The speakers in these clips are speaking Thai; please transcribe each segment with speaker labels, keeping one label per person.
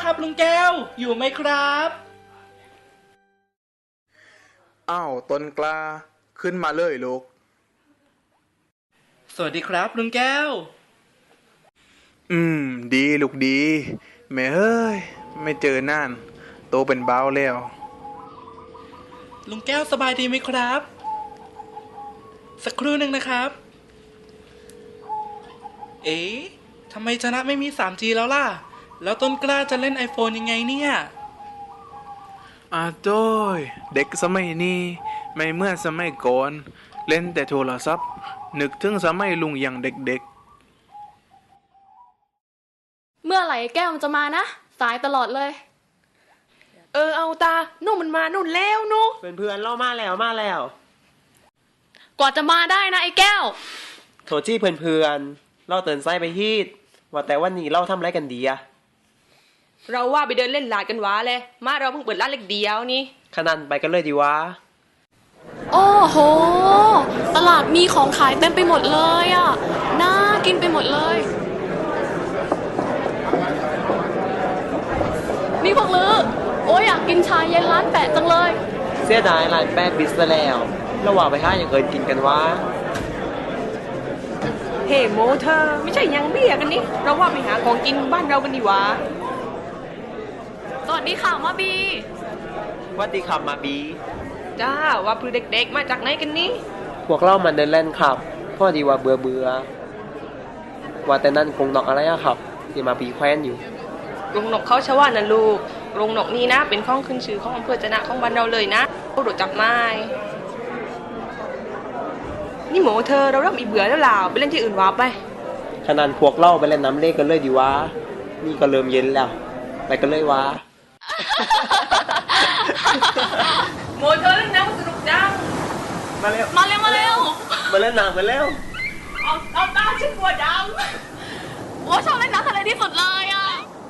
Speaker 1: ครับลุงแก้วอยู่ไหมครับ
Speaker 2: อ้าวต้นกล้าขึ้นมาเลยลูก
Speaker 1: สวัสดีครับลุงแก้ว
Speaker 2: ดีลูกดีแม่เฮ้ยไม่เจอนานโตเป็นบ้าวแล้ว
Speaker 1: ลุงแก้วสบายดีไหมครับสักครู่หนึ่งนะครับเอ๊ะทำไมชนะไม่มี 3G แล้วล่ะแล้วต้นกล้าจะเล่น iPhone ยังไงเนี่ย
Speaker 2: โจ้ยเด็กสมัยนี้ไม่เหมื่อนสมัยก่อนเล่นแต่โทรศัพท์นึกถึงสมัยลุงอย่างเด็ก
Speaker 3: เมื่อไหร่แก้วมันจะมานะสายตลอดเลย
Speaker 4: เอาตานู่นมันมานู่นแล้วนู่น
Speaker 5: เพื่อนๆเล่ามาแล้ว
Speaker 3: กว่าจะมาได้นะไอ้แก้ว
Speaker 5: โทรจี้เพื่อนๆเล่าเตือนไส้ไปฮีดว่าแต่วันนี้เล่าทำไรกันดีอะ
Speaker 4: เราว่าไปเดินเล่นลาดกันวะเลยมาเราเพิ่งเปิดร้านเล็กเดียวนี่
Speaker 5: ขนาดไปกันเลยดีวะ
Speaker 3: โอ้โหตลาดมีของขายเต็มไปหมดเลยอ่ะน่ากินไปหมดเลยนี่พวกลือโอ้ยอยากกินชาเย็นร้านแปะจังเลย
Speaker 5: เสียดายร้านแป๊บบิสแล้วระหว่างไปห้าอย่างเอินกินกันวะ
Speaker 4: เฮ้โมเธอไม่ใช่ยังเบี้ยกันนี่เราว่าไปหาของกินบ้านเรากันดีวะ
Speaker 3: สวัสดีค่ะมาบี
Speaker 5: วัดดีครับมาบี
Speaker 4: จ้าว่าคือเด็กๆมาจากไหนกันนี่
Speaker 5: พวกเรามันเดินเล่นครับพ่อดีว่าเบื่อว่าแต่นั่นคงนอกอะไรอะครับที่มาบีแคว้นอยู่
Speaker 4: โรงนกเขาชว่านะลูกโรงนกนี้นะเป็นข้องขึ้นชื่อของอำเภอจะนะของบ้านเราเลยนะเขาโดดจับไม้นี่โมเธอเราเริ่มอีเบื่อแล้วล่ะไปเล่นที่อื่นวะไป
Speaker 5: ขนาดพวกเราไปเล่นน้ำเล่กันเลยดีวะนี่ก็เริ่มเย็นแล้วไปกันเลยวะ
Speaker 4: โมเธอเล่นน้ำสนุกจัง
Speaker 5: มาเร็ว
Speaker 3: มาเร็วมาเ
Speaker 5: ล่นน้ำกันแล้ว
Speaker 4: เอาตาฉันกลัวด
Speaker 3: ำโอ้ชอบเล่นน้ำทะเลที่สุดเลยอ่ะ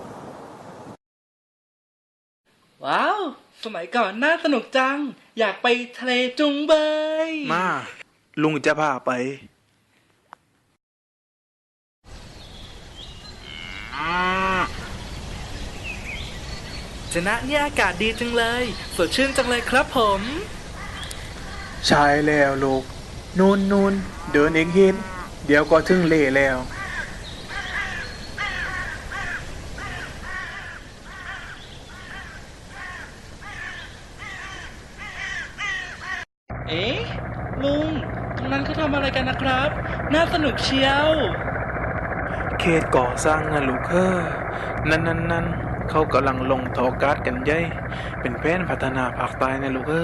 Speaker 1: ว้าวสมัยก่อนน่าสนุกจังอยากไปทะเลจุงเบย
Speaker 2: มาลุงจะพาไป
Speaker 1: ชนะเนี่ยอากาศดีจังเลยสดชื่นจังเลยครับผม
Speaker 2: ใช่แล้วลูกนูนเดินอีกฮิตเดี๋ยวก็ถึงเล่แล้ว
Speaker 1: เอ๊ะลุงตรงนั้นเขาทำอะไรกันนะครับน่าสนุกเชียว
Speaker 2: เขตก่อสร้างนะลูกนั่นเขากำลังลงทอการ์ดกันใหญ่เป็นแผนพัฒนาภาคใต้นะลูก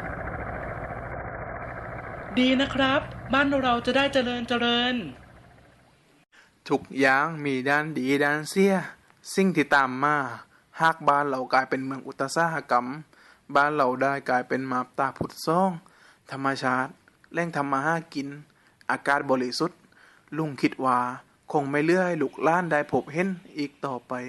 Speaker 1: ดีนะครับบ้านเราจะได้เจริญ
Speaker 2: ทุกอย่างมีด้านดีด้านเสียสิ่งที่ตามมาหากบ้านเรากลายเป็นเมืองอุตสาหกรรมบ้านเราได้กลายเป็นมาบตาผุดซ่องธรรมชาติแหล่งทำมาหากินอากาศบริสุทธิ์ลุงคิดว่าคงไม่เลื่อให้ลูกหล้านได้พบเห็นอีกต่อไป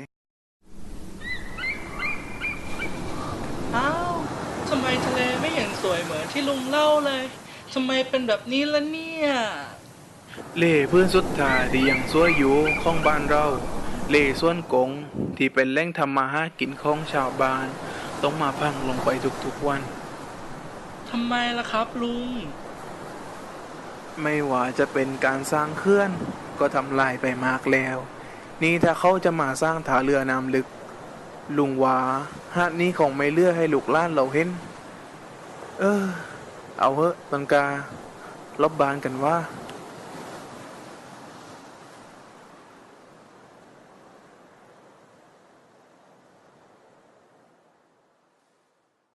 Speaker 1: อ้าวทำไมทะเลไม่เห็นสวยเหมือนที่ลุงเล่าเลยทำไมเป็นแบบนี้ล่ะเนี่ย
Speaker 2: เล่พื้นสุดท้ายที่ยังสวยอยู่ของบ้านเราเล่ส่วนกงที่เป็นแหล่งทำมาหากินของชาวบ้านต้องมาพังลงไปทุกๆวัน
Speaker 1: ทำไมล่ะครับลุง
Speaker 2: ไม่ว่าจะเป็นการสร้างเขื่อนก็ทำลายไปมากแล้วนี่ถ้าเขาจะมาสร้างท่าเรือน้ำลึกลุงว่าหาดนี้คงไม่เลือกให้ลูกหล้านเราเห็นเอาเหอะต้นกาลบบานกันว่า